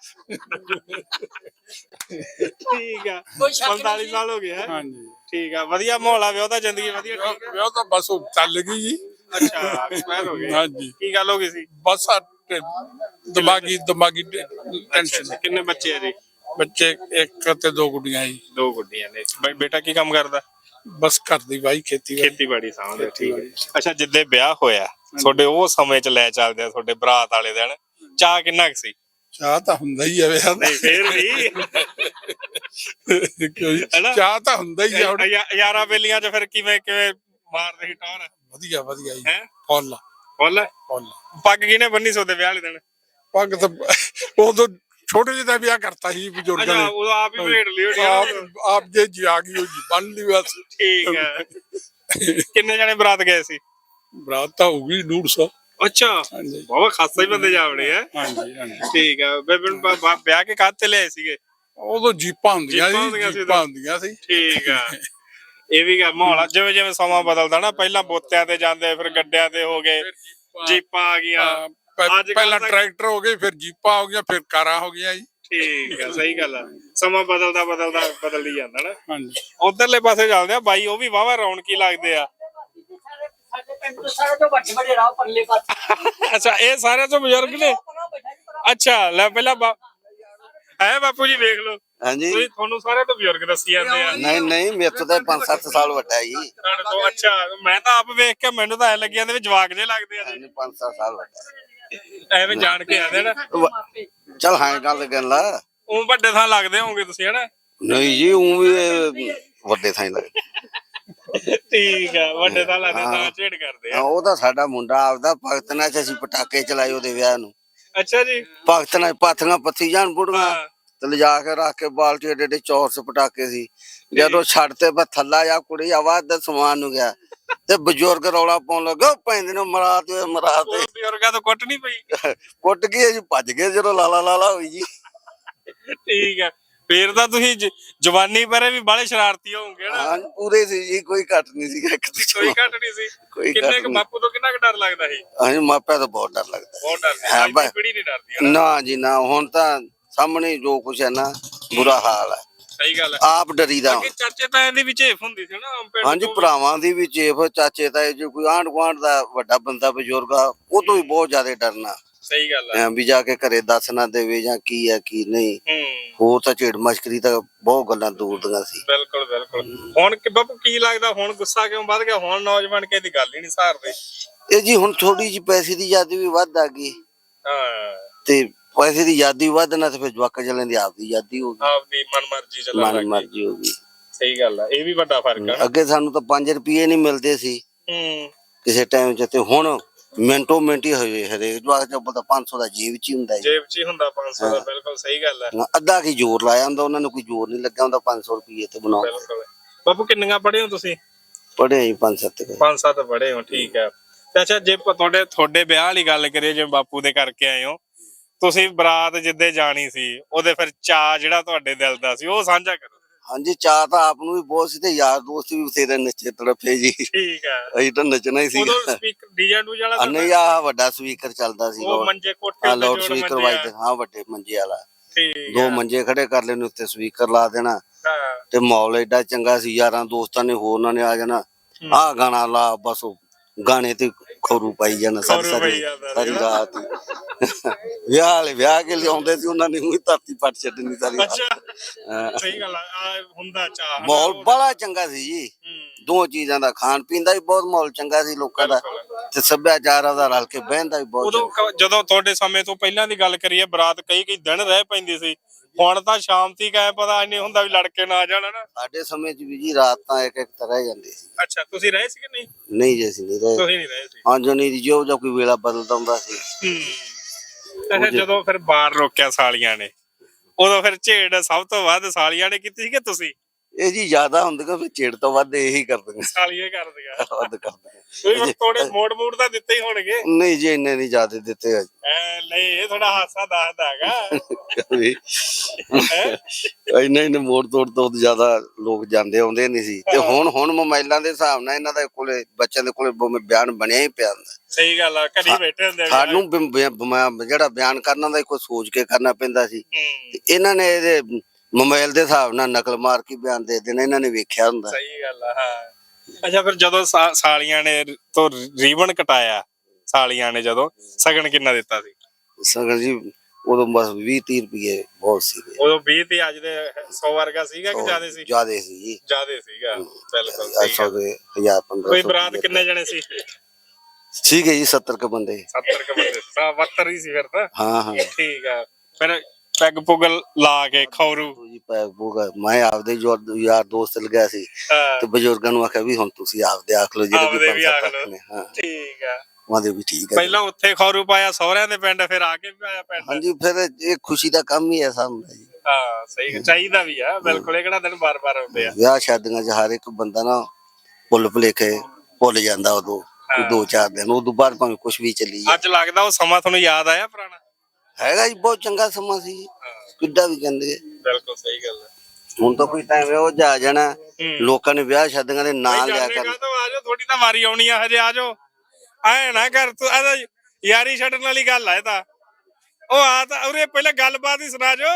ਠੀਕ ਆ ਪੰਤਾਲੀ ਸਾਲ ਹੋ ਗਏ ਹੈ।
ਹਾਂਜੀ
ਠੀਕ ਆ ਵਧੀਆ ਮਾਹੌਲ ਆ ਵਿਆਹ ਦਾ ਜ਼ਿੰਦਗੀ ਵਧੀਆ ਠੀਕ ਆ।
ਵਿਆਹ ਤਾਂ ਬਸ ਉਹ ਚੱਲ ਗਈ ਜੀ
ਅੱਛਾ ਐਕਸਪਾਇਰ ਹੋ ਗਏ।
ਹਾਂਜੀ
ਕੀ ਗੱਲ ਹੋ ਗਈ ਸੀ?
ਬਸ ਆ ਟ- ਦਿਮਾਗੀ ਦਿਮਾਗੀ
ਅੱਛਾ
ਟੈਨਸ਼ਨ
ਕਿੰਨੇ ਬੱਚੇ ਆ ਜੀ?
ਬੱਚੇ ਇੱਕ ਤੇ ਦੋ ਗੁੱਡੀਆਂ ਜੀ
ਦੋ ਗੁੱਡੀਆਂ ਨੇ। ਬਈ ਬੇਟਾ ਕੀ ਕੰਮ ਕਰਦਾ?
ਬਸ ਘਰ ਦੀ ਵਾਈ ਖੇਤੀ
ਖੇਤੀਬਾੜੀ ਸਾਂਭਦੇ। ਠੀਕ ਹੈ। ਅੱਛਾ ਜਿੱਦੇ ਵਿਆਹ ਹੋਇਆ ਤੁਹਾਡੇ ਉਹ ਸਮੇਂ ਚ ਲੈ ਚੱਲਦੇ ਆ ਤੁਹਾਡੇ ਬਰਾਤ ਵਾਲੇ ਦਿਨ ਚਾਹ ਕਿੰਨਾ ਕੁ ਸੀ?
ਚਾਹ ਤਾਂ ਹੁੰਦਾ ਹੀ ਆ ਵਿਆਹ ਦਾ
ਨਹੀਂ ਫੇਰ ਵੀ
ਕੋਈ
ਹੈਨਾ?
ਚਾਹ ਤਾਂ ਹੁੰਦਾ ਹੀ ਆ ਹੁਣ।
ਯਾ- ਯਾਰਾਂ ਬੇਲੀਆਂ ਚ ਫਿਰ ਕਿਵੇਂ ਕਿਵੇਂ ਮਾਰਦੇ ਸੀ ਟੌਰ?
ਵਧੀਆ ਵਧੀਆ ਜੀ
ਹੈ
ਫੁੱਲ
ਬੋਲ
ਫੁੱਲ
ਪੱਗ ਕਿਹਨੇ ਬੰਨੀ ਸੋਦੇ ਵਿਆਹ ਵਾਲੇ ਦਿਨ?
ਪੱਗ ਤਾਂ ਉਦੋਂ ਛੋਟੇ ਜਿਹੇ ਦਾ ਵਿਆਹ ਕਰਤਾ ਸੀ ਬਜ਼ੁਰਗਾਂ
ਅੱਛਾ
ਨੇ
ਉਹ ਆਪ ਹੀ ਭੇੜ ਲਈ ਹੋਣੀ ਆ।
ਆਪ ਆਪ ਜੇ ਜੀ ਆ ਗਈ ਉਹ ਜੀ ਬਣ ਲਈ ਬਸ
ਠੀਕ ਹੈ। ਕਿੰਨੇ ਜਣੇ ਬਰਾਤ ਗਏ ਸੀ?
ਬਰਾਤ ਤਾਂ ਹੋ ਗਈ ਡੂਢ ਸੌ
ਅੱਛਾ
ਹਾਂਜੀ
ਬਹੁਤ ਖਾਸਾ ਹੀ ਬੰਦੇ ਜਾਵੜੇ ਆ।
ਹਾਂਜੀ ਹਾਂਜੀ
ਠੀਕ ਆ ਬੇਬੇ ਨੂੰ ਬ- ਬ- ਵਿਆਹ ਕੇ ਕਾਹਤੇ ਲਿਆਏ ਸੀਗੇ?
ਉਦੋਂ ਜੀਪਾਂ ਹੁੰਦੀਆਂ
ਜੀਪਾਂ ਹੁੰਦੀਆਂ
ਸੀ
ਸੀ
ਜੀਪਾਂ
ਉਦੋਂ।
ਹੁੰਦੀਆਂ ਸੀ
ਠੀਕ ਆ ਇਹ ਵੀ ਗੱਲ ਮਾਹੌਲ ਆ। ਜਿਵੇਂ ਜਿਵੇਂ ਸਮਾਂ ਬਦਲਦਾ ਨਾ ਪਹਿਲਾਂ ਬੋਤਿਆਂ ਤੇ ਜਾਂਦੇ ਫਿਰ ਗੱਡਿਆਂ ਤੇ ਹੋ ਗਏ ਜੀਪਾਂ ਆ ਗਈਆਂ।
ਹਾਂ, ਪ-
ਅੱਜ ਕੱਲ੍ਹ
ਪਹਿਲਾਂ
ਤਾਂ-
ਟਰੈਕਟਰ ਹੋ ਗਏ ਫਿਰ ਜੀਪਾਂ ਹੋ ਗਈਆਂ ਫਿਰ ਕਾਰਾਂ ਹੋ ਗਈਆਂ ਜੀ
ਠੀਕ ਆ ਸਹੀ ਗੱਲ ਆ। ਸਮਾਂ ਬਦਲਦਾ ਬਦਲਦਾ ਬਦਲ ਹੀ ਜਾਂਦਾ ਨਾ।
ਹਾਂਜੀ
ਉਧਰਲੇ ਪਾਸੇ ਚੱਲਦੇ ਆ ਬਾਈ ਉਹ ਵੀ ਵਾਵਾ ਰੌਣਕੀ ਲੱਗਦੇ ਆ।
ਸਾਡੇ ਪਿੰਡ ਤੋਂ ਸਾਰੇ ਤੋਂ ਵੱਡੇ ਵੱਡੇ ਰਾਹ ਪਰਲੇ ਪਾਸੇ
ਅੱਛਾ ਇਹ ਸਾਰਿਆਂ ਤੋਂ ਬਜ਼ੁਰਗ ਨੇ? ਅੱਛਾ ਲੈ ਪਹਿਲਾਂ ਬਾ- ਹੈ ਬਾਪੂ ਜੀ ਵੇਖ ਲਓ
ਹਾਂਜੀ
ਤੁਸੀਂ ਤੁਹਾਨੂੰ ਸਾਰੇ ਤੋਂ ਬਜ਼ੁਰਗ ਦੱਸੀ ਜਾਂਦੇ ਆ।
ਨਹੀਂ ਨਹੀਂ ਮੇਰੇ ਤੋਂ ਤਾਂ ਪੰਜ ਸੱਤ ਸਾਲ ਵੱਡਾ ਹੈ ਜੀ
ਤੁਹਾਡੇ ਤੋਂ ਅੱਛਾ ਮੈਂ ਤਾਂ ਆਪ ਵੇਖ ਕੇ ਮੈਨੂੰ ਤਾਂ ਐ ਲੱਗੀ ਜਾਂਦੇ ਵੀ ਜਵਾਕ ਜੇ ਲੱਗਦੇ ਆ
ਹਾਂਜੀ, ਪੰਜ ਸੱਤ ਸਾਲ ਵੱਡਾ
ਐਵੇਂ ਜਾਣ ਕੇ ਆਦੇ ਨਾ।
ਵ- ਚੱਲ ਹਾਂ ਗੱਲ ਕਰ ਲਾ
ਉਹ ਵੱਡੇ ਥਾਂ ਲੱਗਦੇ ਹੋਵੋਗੇ ਤੁਸੀਂ ਹਨਾ?
ਨਹੀਂ ਜੀ ਉਹ ਵੀ ਇਹ ਵੱਡੇ ਥਾਂ ਹੀ ਲੱਗਦਾ
ਠੀਕ ਆ ਵੱਡੇ ਥਾਂ ਲੱਗਦੇ ਤਾਂ ਝੇੜ ਕਰਦੇ
ਹਾਂ,
ਆ।
ਉਹ ਤਾਂ ਸਾਡਾ ਮੁੰਡਾ ਆਪਦਾ ਭਗਤ ਨਾਲ ਚ ਅਸੀਂ ਪਟਾਕੇ ਚਲਾਏ ਉਹਦੇ ਵਿਆਹ ਨੂੰ
ਅੱਛਾ ਜੀ
ਭਗਤ ਨਾਲ ਪਾਥੀਆਂ ਪੱਥੀ ਜਾਣ ਬੁੜੀਆਂ
ਹਾਂ
ਤੇ ਲਿਜਾ ਕੇ ਰੱਖ ਕੇ ਬਾਲਟੀ ਏਡੇ ਏਡੇ ਚੌਰਸ ਪਟਾਕੇ ਸੀ ਜਦੋਂ ਛੱਡ ਤੇ ਬਸ ਥੱਲਾ ਜਾ ਕੁੜੀ ਆਵਾਜ਼ ਦਾ ਸਮਾਨ ਨੂੰ ਗਿਆ ਤੇ ਬਜ਼ੁਰਗ ਰੌਲਾ ਪਾਉਣ ਲੱਗਾ ਪੈਂਦੇ ਨੂੰ ਮਰਾ ਤੇ ਮਰਾ
ਉਹ
ਤੇ
ਬਜ਼ੁਰਗਾਂ ਤੋਂ ਕੁੱਟ ਨਹੀਂ ਪਈ?
ਕੁੱਟ ਗਏ ਜੀ ਭੱਜ ਗਏ ਜਦੋਂ ਲਾਲਾ ਲਾਲਾ ਹੋਈ ਜੀ
ਠੀਕ ਆ ਫੇਰ ਤਾਂ ਤੁਸੀਂ ਜ- ਜਵਾਨੀ ਬਾਰੇ ਵੀ ਬਾਲੇ ਸ਼ਰਾਰਤੀ ਹੋਵੋਗੇ ਨਾ?
ਹਾਂ ਪੂਰੇ ਸੀ ਜੀ ਕੋਈ ਘੱਟ ਨਹੀਂ ਸੀ ਇੱਕ ਦੂਜੇ
ਕੋਈ
ਨਾਲ।
ਘੱਟ ਨਹੀਂ ਸੀ?
ਕੋਈ
ਕਿੰਨੇ
ਘੱਟ
ਕੁ
ਨਹੀਂ।
ਬਾਪੂ ਤੋਂ ਕਿੰਨਾ ਕੁ ਡਰ ਲੱਗਦਾ ਸੀ?
ਹਾਂਜੀ ਮਾਪਿਆਂ ਤੋਂ ਬਹੁਤ ਡਰ ਲੱਗਦਾ
ਬਹੁਤ ਡਰਦੀ
ਹਾਂ,
ਅੱਜ ਦੀ
ਬਸ।
ਪੀੜ੍ਹੀ ਨਹੀਂ ਡਰਦੀ ਹਨਾ?
ਨਾ ਜੀ ਨਾ ਹੁਣ ਤਾਂ ਸਾਹਮਣੇ ਜੋ ਕੁਛ ਹੈ ਨਾ ਬੁਰਾ ਹਾਲ ਹੈ
ਸਹੀ ਗੱਲ ਹੈ।
ਆਪ ਡਰੀਦਾ
ਅੱਗੇ ਚਰਚੇ ਤਾਂ ਇਹਦੀ ਵੀ ਝੇਫ ਹੁੰਦੀ ਸੀ ਨਾ ਪਿੰਡ
ਹਾਂਜੀ
ਤੋਂ।
ਭਰਾਵਾਂ ਦੀ ਵੀ ਚੇਫ ਚਾਚੇ ਤਾਏ ਜੋ ਕੋਈ ਆਂਢ ਗੁਆਂਢ ਦਾ ਵੱਡਾ ਬੰਦਾ ਬਜ਼ੁਰਗ ਆ ਉਹ ਤੋਂ ਵੀ ਬਹੁਤ ਜ਼ਿਆਦਾ ਡਰਨਾ
ਸਹੀ ਗੱਲ ਹੈ।
ਐਂ ਵੀ ਜਾ ਕੇ ਘਰੇ ਦੱਸ ਨਾ ਦੇਵੇ ਜਾਂ ਕੀ ਹੈ ਕੀ ਨਹੀਂ
ਹੂੰ
ਹੋਰ ਤਾਂ ਝੇੜ ਮਸ਼ਕਰੀ ਤਾਂ ਬਹੁਤ ਗੱਲਾਂ ਦੂਰ ਦੀਆਂ ਸੀ
ਬਿਲਕੁਲ ਬਿਲਕੁਲ। ਹੁਣ ਕਿ ਬਾਪੂ ਕੀ ਲੱਗਦਾ ਹੁਣ ਗੁੱਸਾ ਕਿਉਂ ਵੱਧ ਗਿਆ? ਹੁਣ ਨੌਜਵਾਨ ਕਿਸੇ ਦੀ ਗੱਲ ਹੀ ਨਹੀਂ ਸਹਾਰਦੇ।
ਇਹ ਜੀ ਹੁਣ ਥੋੜੀ ਜੀ ਪੈਸੇ ਦੀ ਯਾਦੀ ਵੀ ਵੱਧ ਆ ਗਈ
ਹਾਂ
ਤੇ ਪੈਸੇ ਦੀ ਯਾਦੀ ਵੱਧ ਨਾ ਤੇ ਫਿਰ ਜਵਾਕਾਂ ਚੱਲਣ ਦੀ ਆਪ ਦੀ ਯਾਦੀ ਹੋ ਗਈ
ਆਪਦੀ ਮਨਮਰਜ਼ੀ ਚੱਲਣ
ਮਨ
ਲੱਗ ਗਈ।
ਮਰਜ਼ੀ ਹੋ ਗਈ
ਸਹੀ ਗੱਲ ਆ ਇਹ ਵੀ ਵੱਡਾ ਫਰਕ ਆ ਨਾ।
ਅੱਗੇ ਸਾਨੂੰ ਤਾਂ ਪੰਜ ਰੁਪਏ ਨਹੀਂ ਮਿਲਦੇ ਸੀ
ਹੂੰ
ਕਿਸੇ ਟਾਈਮ 'ਚ ਤੇ ਹੁਣ ਮਿੰਟੋ ਮਿੰਟ ਹੀ ਹੋਏ ਹਰੇਕ ਜਵਾਕ ਚ ਪਤਾ ਪੰਜ ਸੌ ਦਾ ਜੇਬ 'ਚ ਹੀ ਹੁੰਦਾ ਜੀ
ਜੇਬ 'ਚ ਹੀ ਹੁੰਦਾ ਪੰਜ ਸੌ ਦਾ। ਬਿਲਕੁਲ ਸਹੀ ਗੱਲ ਹੈ।
ਅੱਧਾ ਕੀ ਜ਼ੋਰ ਲਾਇਆ ਹੁੰਦਾ ਉਹਨਾਂ ਨੂੰ ਕੋਈ ਜ਼ੋਰ ਨਹੀਂ ਲੱਗਾ ਹੁੰਦਾ ਪੰਜ ਸੌ ਰੁਪਏ ਤੇ ਬਣਾਓ
ਬਿਲਕੁਲ ਬਾਪੂ ਕਿੰਨੀਆਂ ਪੜ੍ਹੇ ਹੋ ਤੁਸੀਂ?
ਪੜ੍ਹੇ ਜੀ ਪੰਜ ਸੱਤ ਕੁ।
ਪੰਜ ਸੱਤ ਪੜ੍ਹੇ ਹੋ ਠੀਕ ਹੈ। ਤੇ ਅੱਛਾ ਜੇ ਪ- ਤੁਹਾਡੇ ਤੁਹਾਡੇ ਵਿਆਹ ਵਾਲੀ ਗੱਲ ਕਰੀਏ ਜਿਵੇਂ ਬਾਪੂ ਦੇ ਕਰਕੇ ਆਏ ਹੋ ਤੁਸੀਂ ਬਰਾਤ ਜਿੱਦੇ ਜਾਣੀ ਸੀ ਉਹਦੇ ਫਿਰ ਚਾਅ ਜਿਹੜਾ ਤੁਹਾਡੇ ਦਿਲ ਦਾ ਸੀ ਉਹ ਸਾਂਝਾ ਕਰੋ।
ਹਾਂਜੀ ਚਾਹ ਤਾਂ ਆਪ ਨੂੰ ਵੀ ਬਹੁਤ ਸੀ ਤੇ ਯਾਰ ਦੋਸਤ ਵੀ ਬਥੇਰੇ ਨੱਚੇ ਤੜਫੇ ਜੀ
ਠੀਕ ਹੈ।
ਅਸੀਂ ਤਾਂ ਨੱਚਣਾ ਹੀ ਸੀ
ਉਦੋਂ ਸਪੀਕਰ ਡੀਜੇ ਡੂਜੇ ਵਾਲਾ ਤਾਂ
ਨਹੀਂ ਆ ਵੱਡਾ ਸਪੀਕਰ ਚੱਲਦਾ ਸੀ
ਉਹ ਮੰਜੇ ਕੋਠੇ
ਹਾਂ
ਉੱਤੇ
ਲਾਊਡ
ਜੋੜ
ਸਪੀਕਰ
ਮੰਜੇ ਆ।
ਵੱਜਦੇ ਹਾਂ ਵੱਡੇ ਮੰਜੇ ਵਾਲਾ
ਠੀਕ
ਦੋ
ਹੈ।
ਮੰਜੇ ਖੜੇ ਕਰ ਲੈਣੇ ਉੱਤੇ ਸਪੀਕਰ ਲਾ ਦੇਣਾ
ਹਾਂ
ਤੇ ਮਾਹੌਲ ਏਡਾ ਚੰਗਾ ਸੀ ਯਾਰਾਂ ਦੋਸਤਾਂ ਨੇ ਹੋਰ ਉਹਨਾਂ ਨੇ ਆ ਜਾਣਾ ਆਹ ਗਾਣਾ ਲਾ ਬਸ ਉਹ ਗਾਣੇ ਤੇ ਖਰੂ ਪਾਈ ਜਾਣਾ ਸਾਰੀ
ਖਰੂ ਪਾਈ
ਸਾਰੀ
ਜਾਂਦਾ
ਸਾਰੀ ਰਾਤ ਹੀ। ਵਿਆਹ ਵਾਲੇ ਵਿਆਹ ਕੇ ਲਿਆਉਂਦੇ ਸੀ ਉਹਨਾਂ ਨੇ ਉਹੀ ਧਰਤੀ ਪੱਟ ਛੱਡਣੀ ਸਾਰੀ ਰਾਤ।
ਅੱਛਾ
ਹਾਂ।
ਸਹੀ ਗੱਲ ਆ ਆਹ ਹੁੰਦਾ ਚਾਹ ਹਨਾ।
ਮਾਹੌਲ ਬੜਾ ਚੰਗਾ ਸੀ ਜੀ
ਹੂੰ,
ਦੋ ਚੀਜ਼ਾਂ ਦਾ ਖਾਣ ਪੀਣ ਦਾ ਵੀ ਬਹੁਤ ਮਾਹੌਲ ਚੰਗਾ ਸੀ ਲੋਕਾਂ ਦਾ ਤੇ ਸੱਭਿਆਚਾਰ ਦਾ ਰਲ ਕੇ ਬਹਿਣ ਦਾ ਵੀ ਬਹੁਤ
ਉਦੋਂ
ਚੰਗਾ।
ਕ- ਜਦੋਂ ਤੁਹਾਡੇ ਸਮੇਂ ਤੋਂ ਪਹਿਲਾਂ ਦੀ ਗੱਲ ਕਰੀਏ ਬਰਾਤ ਕਈ ਕਈ ਦਿਨ ਰਹਿ ਪੈਂਦੀ ਸੀ। ਹੁਣ ਤਾਂ ਸ਼ਾਮ ਤੀਕ ਐ ਪਤਾ ਨਹੀਂ ਹੁੰਦਾ ਵੀ ਲੜਕੇ ਨਾ ਆ ਜਾਣ ਨਾ।
ਸਾਡੇ ਸਮੇਂ 'ਚ ਵੀ ਜੀ ਰਾਤ ਤਾਂ ਇੱਕ ਇੱਕ ਤਰ੍ਹਾਂ ਹੀ ਜਾਂਦੀ ਸੀ
ਅੱਛਾ ਤੁਸੀਂ ਰਹੇ ਸੀ ਕਿ ਨਹੀਂ?
ਨਹੀਂ ਜੀ ਅਸੀਂ ਨਹੀਂ ਰਹੇ
ਤੁਸੀਂ ਨਹੀਂ ਰਹੇ ਸੀ।
ਹਾਂ ਜੋ ਨਹੀਂ ਜੋ ਜੋ ਕੋਈ ਵੇਲਾ ਬਦਲਦਾ ਹੁੰਦਾ ਸੀ
ਹੂੰ ਅੱਛਾ ਜਦੋਂ ਫਿਰ ਬਾਹਰ ਰੋਕਿਆ ਸਾਲੀਆਂ ਨੇ ਉਦੋਂ ਫਿਰ ਝੇੜ ਸਭ ਤੋਂ ਵੱਧ ਸਾਲੀਆਂ ਨੇ ਕੀਤੀ ਸੀ ਕਿ ਤੁਸੀਂ?
ਇਹ ਜੀ ਜ਼ਿਆਦਾ ਹੁੰਦੀਆਂ ਫਿਰ ਚਿੜ ਤੋਂ ਵੱਧ ਇਹੀ ਕਰਦੀਆਂ
ਸਾਲੀਆਂ ਕਰਦੀਆਂ
ਵੱਧ ਕਰਦੀਆਂ
ਕੋਈ ਥੋੜੇ ਮੋੜ ਮੋੜ ਤਾਂ ਦਿੱਤੇ ਹੀ ਹੋਣਗੇ
ਨਹੀਂ ਜੀ ਇੰਨੇ ਨਹੀਂ ਜ਼ਿਆਦਾ ਦਿੱਤੇ ਅੱਜ
ਐ ਨਹੀਂ ਇਹ ਥੋੜਾ ਹਾਸਾ ਦੱਸਦਾ ਹੈਗਾ
ਇੰਨੇ ਇੰਨੇ ਮੋੜ ਤੋੜ ਤੋਂ ਜ਼ਿਆਦਾ ਲੋਕ ਜਾਂਦੇ ਆਉਂਦੇ ਨਹੀਂ ਸੀ ਤੇ ਹੁਣ ਹੁਣ ਮੋਬਾਈਲਾਂ ਦੇ ਹਿਸਾਬ ਨਾਲ ਇਹਨਾਂ ਦੇ ਕੋਲੇ ਬੱਚਿਆਂ ਦੇ ਕੋਲੇ ਬਿਆਨ ਬਣਿਆ ਹੀ ਪਿਆ ਹੁੰਦਾ
ਸਹੀ ਗੱਲ ਆ ਘਰੀ ਬੈਠੇ ਹੁੰਦੇ
ਸਾਨੂੰ ਬਿ- ਬਿ- ਬਿ- ਜਿਹੜਾ ਬਿਆਨ ਕਰਨਾ ਦਾ ਕੋਈ ਸੋਚ ਕੇ ਕਰਨਾ ਪੈਂਦਾ ਸੀ ਤੇ ਇਹਨਾਂ ਨੇ ਇਹਦੇ ਮੋਬਾਈਲ ਦੇ ਹਿਸਾਬ ਨਾਲ ਨਕਲ ਮਾਰ ਕੇ ਬਿਆਨ ਦੇ ਦੇਣਾ ਇਹਨਾਂ ਨੇ ਵੇਖਿਆ ਹੁੰਦਾ
ਸਹੀ ਗੱਲ ਆ ਹਾਂ ਅੱਛਾ ਫਿਰ ਜਦੋਂ ਸਾ- ਸਾਲੀਆਂ ਨੇ ਤੋਂ ਰੀਬਨ ਕਟਾਇਆ ਸਾਲੀਆਂ ਨੇ ਜਦੋਂ ਸਗਨ ਕਿੰਨਾ ਦਿੱਤਾ ਸੀ
ਸਗਨ ਜੀ ਉਦੋਂ ਬਸ ਵੀਹ ਤੀਹ ਰੁਪਏ ਬਹੁਤ ਸੀਗੇ
ਉਦੋਂ ਵੀਹ ਤੇ ਅੱਜ ਦੇ ਸੌ ਵਰਗਾ ਸੀਗਾ ਕਿ ਜ਼ਿਆਦਾ ਸੀ
ਜ਼ਿਆਦੇ ਸੀ ਜੀ
ਜ਼ਿਆਦੇ ਸੀਗਾ ਬਿਲਕੁਲ ਸਹੀ
ਅੱਠ ਸੌ
ਗੱਲ।
ਦੇ ਹਜ਼ਾਰ ਪੰਦਰਾਂ
ਕੋਈ
ਸੌ
ਬਰਾਤ
ਰੁਪਏ
ਕਿੰਨੇ ਜਣੇ ਸੀ
ਸੀਗੇ ਜੀ ਸੱਤਰ ਕ ਬੰਦੇ
ਸੱਤਰ ਕ ਬੰਦੇ ਸੱਤਰ ਹੀ ਸੀ ਫਿਰ ਤਾਂ
ਹਾਂ ਹਾਂ
ਠੀਕ ਆ ਫਿਰ ਪੈਗ ਪੁਗ ਲਾ ਕੇ ਖੌਰੂ
ਜੀ ਪੈਗ ਪੂਗਾ ਮੈਂ ਆਪਦੇ ਜੋ ਯਾਰ ਦੋਸਤ ਲਗਿਆ ਸੀ
ਹਾਂ,
ਤੇ ਬਜ਼ੁਰਗਾਂ ਨੂੰ ਆਖਿਆ ਵੀ ਹੁਣ ਤੁਸੀਂ ਆਪਦੇ ਆਖ ਲਓ ਜਿਹੜੇ
ਆਪਦੇ
ਵੀ
ਵੀ
ਪੰਜ
ਆਖ
ਸੱਤ
ਲਓ।
ਨੇ ਹਾਂ
ਠੀਕ ਆ
ਉਹਦੇ ਵੀ ਠੀਕ ਹੈ
ਪਹਿਲਾਂ ਉੱਥੇ ਖੌਰੂ ਪਾਇਆ ਸਹੁਰਿਆਂ ਦੇ ਪਿੰਡ ਫਿਰ ਆ ਕੇ ਵੀ ਪਾਇਆ ਪਿੰਡ
ਹਾਂਜੀ ਫਿਰ ਇਹ ਖੁਸ਼ੀ ਦਾ ਕੰਮ ਹੀ ਹੈ ਸਾਹਮਣੇ ਜੀ
ਹਾਂ ਸਹੀ ਚਾਹੀਦਾ ਵੀ ਆ ਬਿਲਕੁਲ ਇਹ ਕਿਹੜਾ ਦਿਨ ਬਾਰ-ਬਾਰ ਆਉਂਦੇ ਆ
ਵਿਆਹ ਸ਼ਾਦੀਆਂ 'ਚ ਹਰ ਇੱਕ ਬੰਦਾ ਨਾ ਭੁੱਲ ਭੁਲੇਖੇ ਭੁੱਲ ਜਾਂਦਾ ਉਦੋਂ ਕੋਈ ਦੋ ਚਾਰ ਦਿਨ ਉਦੋਂ ਬਾਅਦ ਭਾਵੇਂ ਕੁਝ ਵੀ ਚੱਲੀ ਜਾਏ।
ਅੱਜ ਲੱਗਦਾ ਉਹ ਸਮਾਂ ਤੁਹਾਨੂੰ ਯਾਦ ਆਇਆ ਪੁਰਾਣਾ
ਹੈਗਾ ਜੀ ਬਹੁਤ ਚੰਗਾ ਸਮਾਂ ਸੀ ਕਿੱਡਾ ਵੀ ਕਹਿੰਦੇ
ਬਿਲਕੁਲ ਸਹੀ ਗੱਲ ਹੈ
ਹੁਣ ਤਾਂ ਕੋਈ ਟਾਈਮ ਉਹ ਜਾ ਜਾਣਾ ਲੋਕਾਂ ਨੇ ਵਿਆਹ ਸ਼ਾਦੀਆਂ ਦੇ ਨਾਂ ਲਿਆ ਕਰ
ਆਜੋ ਥੋੜੀ ਤਾਂ ਵਾਰੀ ਆਉਣੀ ਆ ਹਜੇ ਆਜੋ ਐ ਨਾ ਕਰ ਤੂੰ ਇਹਦਾ ਯਾਰੀ ਛੱਡਣ ਵਾਲੀ ਗੱਲ ਆ ਇਹ ਤਾਂ ਉਹ ਆ ਤਾਂ ਉਰੇ ਪਹਿਲਾਂ ਗੱਲਬਾਤ ਹੀ ਸੁਣਾ ਜੋ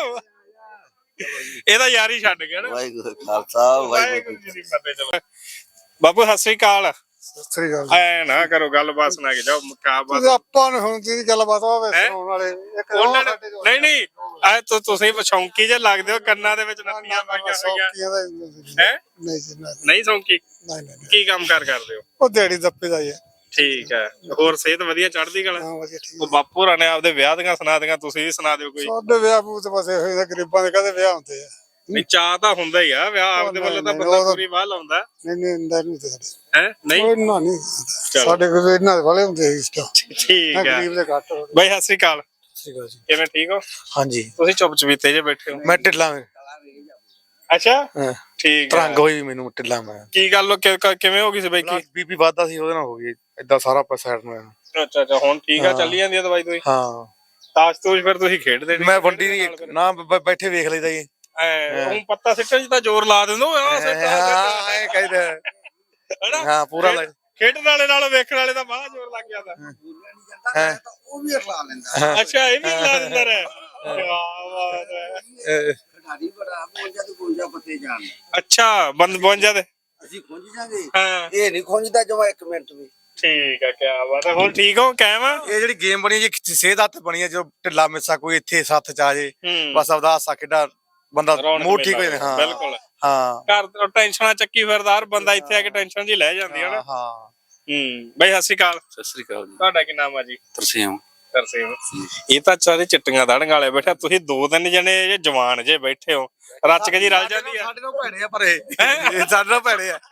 ਇਹਦਾ ਯਾਰੀ ਛੱਡ ਗਿਆ ਨਾ
ਵਾਹਿਗੁਰੂ ਖਾਲਸਾ ਵਾਹਿਗੁਰੂ
ਵਾਹਿਗੁਰੂ ਜੀ ਦੀ ਫਤਿਹ ਚਲੋ ਬਾਬੂ ਸਤਿ ਸ੍ਰੀ ਅਕਾਲ
ਸਹੀ ਗੱਲ
ਐ ਨਾ ਕਰੋ ਗੱਲਬਾਤ ਸੁਣਾ ਕੇ ਜਾਓ ਮੁਕਾ ਬਾਤ
ਤੁਸੀਂ ਆਪਾਂ ਨੂੰ ਹੁਣ ਦੀ ਗੱਲਬਾਤ ਹੋਵੇ
ਹੈਂ?
ਸੁਣਾਉਣ ਵਾਲੇ ਇੱਕ
ਉਹਨਾਂ ਨੇ ਨਹੀਂ ਨਹੀਂ ਐ ਤੂੰ ਤੁਸੀਂ ਸ਼ੌਂਕੀ ਜੇ ਲੱਗਦੇ ਹੋ ਕੰਨਾਂ ਦੇ ਵਿੱਚ ਨੱਤੀਆਂ ਪਾਈਆਂ ਹੋਈਆਂ
ਸੌਕੀਆਂ ਦਾ
ਹੈ
ਨਹੀਂ ਜੀ ਨਹੀਂ
ਨਹੀਂ ਸ਼ੌਂਕੀ
ਨਹੀਂ ਨਹੀਂ
ਕੀ ਕੰਮ ਕਾਰ ਕਰਦੇ ਹੋ
ਉਹ ਦਿਹਾੜੀ ਦੱਪੇ ਦਾ ਹੀ ਹੈ
ਠੀਕ ਹੈ ਹੋਰ ਸਿਹਤ ਵਧੀਆ ਚੜ੍ਹਦੀ ਕਲਾ
ਹਾਂ ਵਧੀਆ ਠੀਕ
ਉਹ ਬਾਪੂ ਰਾਂ ਨੇ ਆਪਦੇ ਵਿਆਹ ਦੀਆਂ ਸੁਣਾ ਦੀਆਂ ਤੁਸੀਂ ਵੀ ਸੁਣਾ ਦਿਓ ਕੋਈ
ਸਾਡੇ ਵਿਆਹ ਬੂਤ ਤੇ ਬਸ ਇਹੋ ਜਿਹੇ ਗਰੀਬਾਂ ਦੇ ਕਦੇ ਵਿਆਹ ਹੁੰਦੇ ਆ
ਨਹੀਂ ਚਾਹ ਤਾਂ ਹੁੰਦਾ ਹੀ ਆ ਵਿਆਹ ਆਪਦੇ ਵੱਲੋਂ ਤਾਂ ਬੰਦਾ ਪੂਰੀ ਵਾਹ ਲਾਉਂਦਾ
ਨਹੀਂ ਨਹੀਂ ਇੰਦਾ ਨਹੀਂ ਤੇ ਸਾਡੇ
ਹੈ ਨਹੀਂ
ਉਹ ਇੰਨਾ ਨਹੀਂ
ਚਲੋ।
ਸਾਡੇ ਕੋਲ ਇਹਨਾਂ ਦੇ ਵਾਲੇ ਹੁੰਦੇ ਸੀ ਇਸ ਤੋਂ
ਠੀਕ ਹੈ
ਗਰੀਬ ਦੇ ਘੱਟ ਹੋ
ਬਾਈ ਸਤਿ ਸ੍ਰੀ ਅਕਾਲ
ਸੀਗਾ ਜੀ
ਕਿਵੇਂ ਠੀਕ ਹੋ
ਹਾਂਜੀ
ਤੁਸੀਂ ਚੁੱਪ ਚਵੀਤੇ ਜੇ ਬੈਠੇ ਹੋ
ਮੈਂ ਢਿੱਲਾ ਮੈਂ
ਅੱਛਾ
ਹਾਂ
ਠੀਕ ਹੈ
ਤਰੰਗ ਹੋਈ ਮੈਨੂੰ ਢਿੱਲਾ ਮੈਂ
ਕੀ ਗੱਲ ਹੋ- ਕਿ- ਕਿ- ਕਿਵੇਂ ਹੋ ਗਈ ਸੀ ਬਾਈ ਕੀ
ਬੀਪੀ ਵੱਧਦਾ ਸੀ ਉਹਦੇ ਨਾਲ ਹੋ ਗਈ ਏਦਾਂ ਸਾਰਾ ਪਾ ਸਾਈਡ ਨੂੰ
ਅੱਛਾ ਅੱਛਾ ਹੁਣ ਠੀਕ ਆ
ਹਾਂ।
ਚੱਲੀ ਜਾਂਦੀ ਆ ਦਵਾਈ ਤੁਸੀਂ
ਹਾਂ
ਤਾਸ਼ ਤੂਸ਼ ਫਿਰ ਤੁਸੀਂ ਖੇਡਦੇ ਨੀ?
ਮੈਂ ਵੰਡੀ ਨਹੀਂ ਨਾ ਬ- ਬੈਠੇ ਵੇਖ ਲਈਦਾ ਜੀ
ਐ ਉਹ ਪੱਤਾ ਸਿੱਟਣ ਚ ਤਾਂ ਜ਼ੋਰ ਲਾ ਦਿੰਦੇ ਹੋ ਆਹ ਸਿੱਟ, ਆਹ ਸਿੱਟ।
ਹਾਂ ਇਹ ਕਹਿੰਦਾ
ਹੈਨਾ?
ਹਾਂ ਪੂਰਾ ਲੱਗ
ਖੇਡਣ ਵਾਲੇ ਨਾਲ ਵੇਖਣ ਵਾਲੇ ਦਾ ਬਾਹਲਾ ਜ਼ੋਰ ਲੱਗ ਜਾਂਦਾ
ਹੈ
ਉਹ ਵੀ ਅਖਲਾ ਲੈਂਦਾ
ਅੱਛਾ ਇਹ ਵੀ ਲਾ ਦਿੰਦਾ ਹੈ ਕਿਆ ਬਾਤ ਹੈ
ਖਿਡਾਰੀ ਬੜਾ ਪਹੁੰਚਾ ਤੇ ਪਹੁੰਚਾ ਪੱਤੇ ਜਾਣ
ਅੱਛਾ ਬੰਦ ਪਹੁੰਚ ਤੇ
ਅਸੀਂ ਖੁੰਝ ਜਾਗੇ
ਹਾਂ
ਇਹ ਨਹੀਂ ਖੁੰਝਦਾ ਜਮਾ ਇੱਕ ਮਿੰਟ ਵੀ
ਠੀਕ ਆ ਕਿਆ ਬਾਤ ਹੈ ਹੁਣ ਠੀਕ ਹੋ ਕਾਇਮ ਆ
ਇਹ ਜਿਹੜੀ ਗੇਮ ਬਣੀ ਜੀ ਸਿਹਤ ਹੱਥ ਬਣੀ ਹੈ ਜੋ ਢਿੱਲਾ ਮਿੱਸਾ ਕੋਈ ਇੱਥੇ ਸੱਥ ਚ ਆ ਜੇ
ਹੂੰ
ਬਸ ਆਪਦਾ ਹਾਸਾ ਖੇਡਾ ਬੰਦਾ
ਰੌਣਕ
ਮੂਡ ਠੀਕ ਹੋ
ਮੇਲਾ
ਜਾਂਦਾ ਹਾਂ
ਬਿਲਕੁਲ
ਹਾਂ
ਘਰ ਤੋਂ ਟੈਨਸ਼ਨਾਂ ਚੱਕੀ ਫਿਰਦਾਰ ਬੰਦਾ ਇੱਥੇ ਆ ਕੇ ਟੈਨਸ਼ਨ ਜੀ ਲੈ ਜਾਂਦੀ ਹੈ ਨਾ
ਹਾਂ
ਹੂੰ ਬਈ ਸਤਿ ਸ਼੍ਰੀ ਅਕਾਲ
ਸਤਿ ਸ੍ਰੀ ਅਕਾਲ ਜੀ
ਤੁਹਾਡਾ ਕੀ ਨਾਮ ਆ ਜੀ
ਤਰਸੇਮ
ਤਰਸੇਮ ਇਹ ਤਾਂ ਚਾਰੇ ਚਿੱਟੀਆਂ ਦਾੜੀਆਂ ਵਾਲੇ ਬੈਠਾ ਤੁਸੀਂ ਦੋ ਤਿੰਨ ਜਣੇ ਜੇ ਜਵਾਨ ਜੇ ਬੈਠੇ ਹੋ ਰੱਚ ਕੇ ਜੀ ਰਲ ਜਾਂਦੀ ਆ
ਸਾਡੇ ਨਾਲ ਭੈੜੇ ਆ ਪਰ ਇਹ ਸਾਡੇ ਨਾਲ ਭੈੜੇ ਆ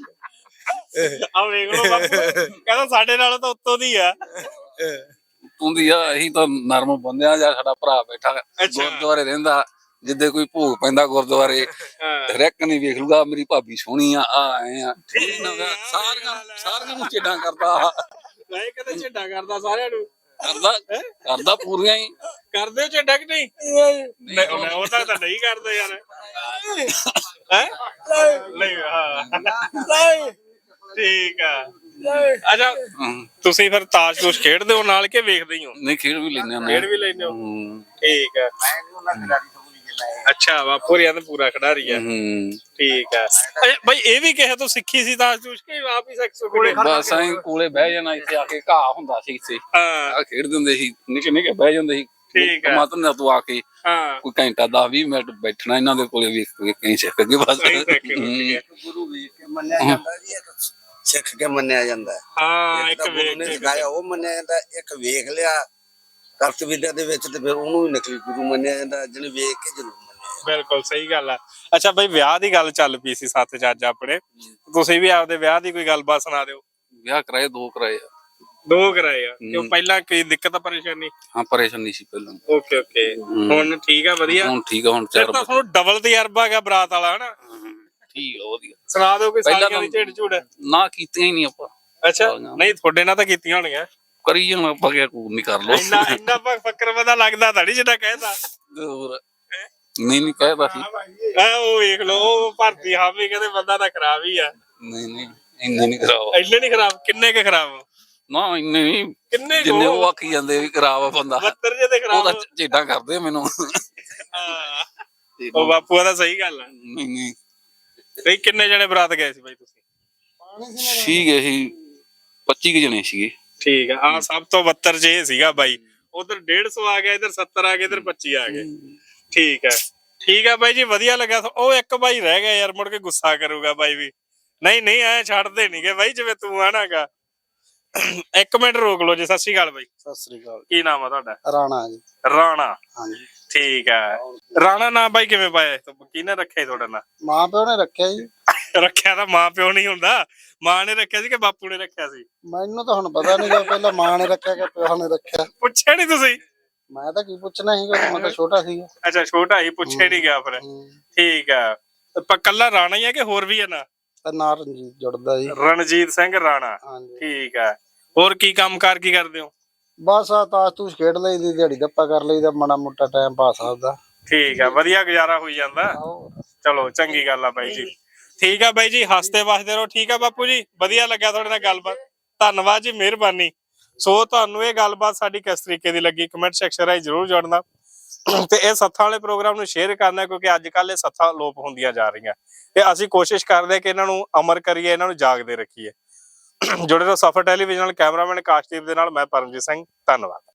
ਆ ਵੇਖ ਲਓ ਬਾਪੂ ਕਹਿੰਦਾ ਸਾਡੇ ਨਾਲ ਤਾਂ ਉੱਤੋਂ ਦੀ ਆ
ਹੁੰਦੀ ਆ ਅਸੀਂ ਤਾਂ ਨਰਮ ਬੰਦਿਆਂ ਜਾਂ ਸਾਡਾ ਭਰਾ ਬੈਠਾ
ਅੱਛਾ।
ਗੁਰਦੁਆਰੇ ਰਹਿੰਦਾ ਜਿੱਦੇ ਕੋਈ ਭੋਗ ਪੈਂਦਾ ਗੁਰਦੁਆਰੇ
ਹਾਂ
ਰੈਕ ਨਹੀਂ ਵੇਖ ਲੂਗਾ ਮੇਰੀ ਭਾਬੀ ਸੋਹਣੀ ਆ ਆ ਆਏ ਆ ਸਾਰੀਆਂ ਸਾਰੀਆਂ ਨੂੰ ਚੇਡਾਂ ਕਰਦਾ
ਨਹੀਂ ਕਦੇ ਝੱਡਾ ਕਰਦਾ ਸਾਰਿਆਂ ਨੂੰ
ਕਰਦਾ ਕਰਦਾ ਪੂਰੀਆਂ ਹੀ
ਕਰਦੇ ਹੋ ਝੱਡਾ ਕਿ ਨਹੀਂ ਨਹੀਂ ਉਹ ਤਾਂ ਤਾਂ ਨਹੀਂ ਕਰਦੇ ਯਾਰ ਹੈ ਨਹੀਂ ਹਾਂ ਠੀਕ ਆ ਅੱਛਾ
ਹਮ,
ਤੁਸੀਂ ਫਿਰ ਤਾਸ਼ ਤੂਸ਼ ਖੇਡਦੇ ਹੋ ਨਾਲ ਕੇ ਵੇਖਦੇ ਹੀ ਹੋ
ਨਹੀਂ ਖੇਡ ਵੀ ਲੈਂਦੇ ਹੁੰਦੇ
ਖੇਡ ਵੀ ਲੈਂਦੇ ਹੋ
ਹਮ,
ਠੀਕ ਆ ਅੱਛਾ ਬਾਪੂ ਰਿਆ ਤਾਂ ਪੂਰਾ ਖਿਡਾਰੀ ਆ
ਹਮ,
ਠੀਕ ਆ ਅੱਛਾ ਬਈ ਇਹ ਵੀ ਕਿਸੇ ਤੋਂ ਸਿੱਖੀ ਸੀ ਤਾਸ਼ ਤੂਸ਼ ਕਿ ਆਪ ਹੀ ਸਿੱਖ ਸੁਖੜੇ
ਬਸ ਐਂ ਕੋਲੇ ਬਹਿ ਜਾਣਾ ਇੱਥੇ ਆ ਕੇ ਘਾਹ ਹੁੰਦਾ ਸੀ ਇੱਥੇ
ਹਾਂ
ਆ ਖੇਡਦੇ ਹੁੰਦੇ ਸੀ ਨਿੱਕੇ ਨਿੱਕੇ ਬਹਿ ਜਾਂਦੇ ਸੀ
ਠੀਕ ਆ।
ਮਾਤਨ ਤੂੰ ਆ ਕੇ
ਹਾਂ
ਕੋਈ ਘੰਟਾ ਦਸ ਵੀਹ ਮਿੰਟ ਬੈਠਣਾ ਇਹਨਾਂ ਦੇ ਕੋਲੇ ਵੇਖ ਕੇ ਕਹੀਂ ਸਿੱਖ ਕੇ ਬਸ
ਸਹੀ ਸਿੱਖ ਕੇ
ਹਮ,
ਗੁਰੂ ਵੇਖ ਕੇ ਮੰਨਿਆ ਜਾਂਦਾ ਜੀ ਇੱਕ ਸਿੱਖ ਕੇ ਮੰਨਿਆ ਜਾਂਦਾ ਹੈ।
ਹਾਂ
ਇੱਕ
ਇੱਕ
ਤਾਂ ਗੁਰੂ
ਵੇਖ
ਨੇ
ਕੇ
ਸਿਖਾਇਆ ਉਹ ਮੰਨਿਆ ਜਾਂਦਾ ਇੱਕ ਵੇਖ ਲਿਆ ਕਰਤ ਵਿਦਿਆ ਦੇ ਵਿੱਚ ਤੇ ਫਿਰ ਉਹਨੂੰ ਵੀ ਨਕਲੀ ਗੁਰੂ ਮੰਨਿਆ ਜਾਂਦਾ ਜਿਹਨੇ ਵੇਖ ਕੇ ਜ਼ਰੂਰ ਮੰਨਿਆ
ਬਿਲਕੁਲ ਸਹੀ ਗੱਲ ਆ ਅੱਛਾ ਬਈ ਵਿਆਹ ਦੀ ਗੱਲ ਚੱਲ ਪਈ ਸੀ ਸੱਤ ਚ ਅੱਜ ਆਪਣੇ ਤੁਸੀਂ ਵੀ ਆਪਦੇ ਵਿਆਹ ਦੀ ਕੋਈ ਗੱਲਬਾਤ ਸੁਣਾ ਦਿਓ
ਵਿਆਹ ਕਰਾਏ ਦੋ ਕਰਾਏ ਆ।
ਦੋ ਕਰਾਏ ਆ ਕਿਉਂ
ਹਮ।
ਪਹਿਲਾਂ ਕੋਈ ਦਿੱਕਤ ਪਰੇਸ਼ਾਨੀ
ਹਾਂ ਪਰੇਸ਼ਾਨੀ ਸੀ ਪਹਿਲਾਂ
ਓਕੇ ਓਕੇ ਹੁਣ ਠੀਕ ਆ ਵਧੀਆ
ਹੁਣ ਠੀਕ ਆ ਹੁਣ
ਫਿਰ
ਚਾਰ
ਤਾਂ ਤੁਹਾਨੂੰ ਡਬਲ ਤਜਰਬਾ ਹੈਗਾ ਬਰਾਤ ਵਾਲਾ ਹਨਾ
ਠੀਕ ਆ ਵਧੀਆ।
ਸੁਣਾ ਦਿਓ ਕੋਈ
ਪਹਿਲਾਂ
ਸਾਲੀਆਂ ਦੀ
ਤਾਂ-
ਝੇੜ ਝੂੜ।
ਨਾ ਕੀਤੀਆਂ ਹੀ ਨਹੀਂ ਆਪਾਂ।
ਅੱਛਾ ਨਹੀਂ ਤੁਹਾਡੇ ਨਾਲ ਤਾਂ ਕੀਤੀਆਂ ਹੋਣੀਆਂ।
ਕਰੀ ਜਾਣਾ ਆਪਾਂ ਕਿਆ ਕੂਰ ਨਹੀਂ ਕਰ ਲੋ।
ਇੰਨਾ ਇੰਨਾ ਪ- ਫੱਕਰ ਪਤਾ ਲੱਗਦਾ ਤਾਂ ਨਹੀਂ ਜਿੱਦਾਂ ਕਹਿਦਾ।
ਹੋਰ ਨਹੀਂ ਨਹੀਂ ਕਹਿਦਾ ਸੀ।
ਆ ਉਹ ਵੇਖ ਲਓ ਉਹ ਭਰਤੀ ਹਾਵੀ ਕਹਿੰਦੇ ਬੰਦਾ ਤਾਂ ਖਰਾਬ ਹੀ ਆ।
ਨਹੀਂ ਨਹੀਂ ਇੰਨੇ ਨਹੀਂ ਖਰਾਬ।
ਇੰਨੇ ਨਹੀਂ ਖਰਾਬ ਕਿੰਨੇ ਕੇ ਖਰਾਬ
ਨਾ ਇੰਨੇ ਨਹੀਂ
ਕਿੰਨੇ
ਜਿੰਨੇ ਉਹ
ਕੋ
ਆਖੀ ਜਾਂਦੇ ਵੀ ਖਰਾਬ ਆ ਬੰਦਾ।
ਬੱਤਰ ਜੇ ਤੇ
ਉਹ
ਖਰਾਬ
ਤਾਂ ਝੇਡਾਂ ਕਰਦੇ ਆ ਮੈਨੂੰ।
ਹਾਂ। ਉਹ ਬਾਪੂ ਦਾ ਸਹੀ ਗੱਲ ਆ।
ਨਹੀਂ ਨਹੀਂ
ਨਹੀਂ ਕਿੰਨੇ ਜਣੇ ਬਰਾਤ ਗਏ ਸੀ ਬਾਈ ਤੁਸੀਂ?
ਠੀਕ ਹੈ ਸੀ ਪੱਚੀ ਕੁ ਜਣੇ ਸੀਗੇ।
ਠੀਕ ਆ ਆ ਸਭ ਤੋਂ ਬੱਤਰ ਜੇ ਸੀਗਾ ਬਾਈ। ਉਧਰ ਡੇਢ ਸੌ ਆ ਗਿਆ ਇਧਰ ਸੱਤਰ ਆ ਗਏ ਇਧਰ ਪੱਚੀ ਆ ਗਏ। ਠੀਕ ਹੈ ਠੀਕ ਆ ਬਾਈ ਜੀ ਵਧੀਆ ਲੱਗਾ। ਉਹ ਇੱਕ ਬਾਈ ਰਹਿ ਗਿਆ ਯਾਰ ਮੁੜ ਕੇ ਗੁੱਸਾ ਕਰੂਗਾ ਬਾਈ ਵੀ। ਨਹੀਂ ਨਹੀਂ ਐ ਛੱਡਦੇ ਨਹੀਂਗੇ ਬਾਈ ਜਿਵੇਂ ਤੂੰ ਆਣਾਗਾ। ਇੱਕ ਮਿੰਟ ਰੋਕ ਲਓ ਜੀ। ਸਤਿ ਸ਼੍ਰੀ ਅਕਾਲ ਬਾਈ।
ਸਤਿ ਸ੍ਰੀ ਅਕਾਲ।
ਕੀ ਨਾਮ ਆ ਤੁਹਾਡਾ?
ਰਾਣਾ ਜੀ।
ਰਾਣਾ।
ਹਾਂਜੀ।
ਠੀਕ ਹੈ ਰਾਣਾ ਨਾਂ ਬਾਈ ਕਿਵੇਂ ਪਾਇਆ? ਕਿਹਨੇ ਰੱਖਿਆ ਤੁਹਾਡਾ ਨਾਂ?
ਮਾਂ ਪਿਓ ਨੇ ਰੱਖਿਆ ਜੀ।
ਰੱਖਿਆ ਤਾਂ ਮਾਂ ਪਿਓ ਨਹੀਂ ਹੁੰਦਾ। ਮਾਂ ਨੇ ਰੱਖਿਆ ਸੀ ਕਿ ਬਾਪੂ ਨੇ ਰੱਖਿਆ ਸੀ?
ਮੈਨੂੰ ਤਾਂ ਹੁਣ ਪਤਾ ਨਹੀਂ ਪਹਿਲਾਂ ਮਾਂ ਨੇ ਰੱਖਿਆ ਕਿ ਪਿਓ ਨੇ ਰੱਖਿਆ।
ਪੁੱਛਿਆ ਨਹੀਂ ਤੁਸੀਂ?
ਮੈਂ ਤਾਂ ਕੀ ਪੁੱਛਣਾ ਸੀਗਾ ਮੈਂ ਤਾਂ ਛੋਟਾ ਸੀਗਾ।
ਅੱਛਾ ਛੋਟਾ ਹੀ ਪੁੱਛਿਆ ਨਹੀਂ ਗਿਆ ਫਿਰ। ਠੀਕ ਆ ਕੱਲਾ ਰਾਣਾ ਹੀ ਆ ਕਿ ਹੋਰ ਵੀ ਆ ਨਾ?
ਨਾਲ ਰਣਜੀਤ ਜੁੜਦਾ ਜੀ।
ਰਣਜੀਤ ਸਿੰਘ ਰਾਣਾ।
ਹਾਂਜੀ
ਠੀਕ ਆ ਹੋਰ ਕੀ ਕੰਮ ਕਾਰ ਕੀ ਕਰਦੇ ਹੋ?
ਬਸ ਆ ਤਾਸ਼ ਤੂਸ਼ ਖੇਡ ਲਈ ਦੀ ਦਿਹਾੜੀ ਦੱਪਾ ਕਰ ਲਈਦਾ ਮਾੜਾ ਮੋਟਾ ਟਾਈਮ ਪਾਸ ਆਪਦਾ।
ਠੀਕ ਆ ਵਧੀਆ ਗੁਜ਼ਾਰਾ ਹੋਈ ਜਾਂਦਾ। ਚਲੋ ਚੰਗੀ ਗੱਲ ਆ ਬਾਈ ਜੀ। ਠੀਕ ਆ ਬਾਈ ਜੀ ਹੱਸਦੇ ਵਸਦੇ ਰਹੋ। ਠੀਕ ਆ ਬਾਪੂ ਜੀ ਵਧੀਆ ਲੱਗਿਆ ਤੁਹਾਡੇ ਨਾਲ ਗੱਲਬਾਤ। ਧੰਨਵਾਦ ਜੀ ਮਿਹਰਬਾਨੀ। ਸੋ ਤੁਹਾਨੂੰ ਇਹ ਗੱਲਬਾਤ ਸਾਡੀ ਕਿਸ ਤਰੀਕੇ ਦੀ ਲੱਗੀ ਕਮੈਂਟ ਸੈਕਸ਼ਨ ਰਾਹੀਂ ਜ਼ਰੂਰ ਜੋੜਨਾ ਤੇ ਇਹ ਸੱਥਾਂ ਵਾਲੇ ਪ੍ਰੋਗਰਾਮ ਨੂੰ ਸ਼ੇਅਰ ਕਰਨਾ ਕਿਉਂਕਿ ਅੱਜ ਕੱਲ ਇਹ ਸੱਥਾਂ ਲੋਪ ਹੁੰਦੀਆਂ ਜਾ ਰਹੀਆਂ ਤੇ ਅਸੀਂ ਕੋਸ਼ਿਸ਼ ਕਰਦੇ ਹਾਂ ਕਿ ਇਹਨਾਂ ਨੂੰ ਅਮਰ ਕਰੀਏ ਇਹਨਾਂ ਨੂੰ ਜਾਗਦੇ ਰੱਖੀਏ। ਜੁੜੇ ਰਹੋ ਸਫਰ ਟੈਲੀਵਿਜ਼ਨ ਨਾਲ। ਕੈਮਰਾਮੈਨ ਕਾਸ਼ਦੀਪ ਦੇ ਨਾਲ ਮੈਂ ਪਰਮਜੀਤ ਸਿੰਘ। ਧੰਨਵਾਦ।